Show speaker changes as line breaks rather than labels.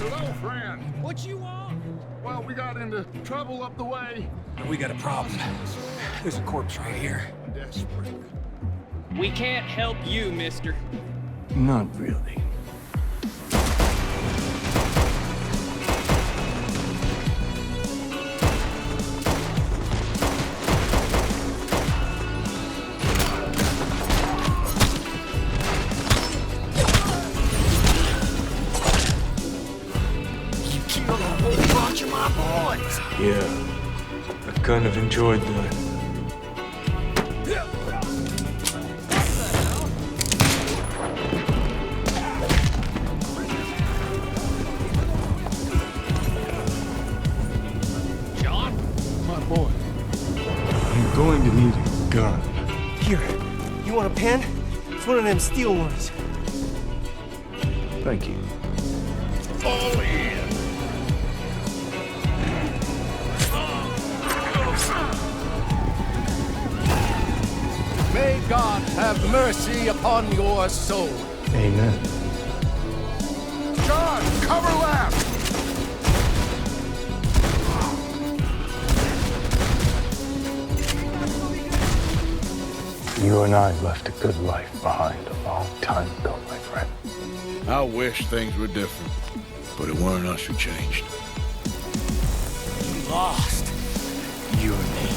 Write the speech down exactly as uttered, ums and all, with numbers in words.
Hello, friend.
What you want?
Well, we got into trouble up the way.
We got a problem. There's a corpse right here.
Desperate.
We can't help you, mister.
Not really.
You killed a whole bunch of my boys.
Yeah. I kind of enjoyed that.
John?
My boy.
I'm going to need a gun.
Here, you want a pen? It's one of them steel ones.
Thank you.
All in.
May God have mercy upon your soul.
Amen.
John, cover left.
You and I left a good life behind a long time ago, my friend.
I wish things were different, but it weren't us who changed.
You lost.
You and me.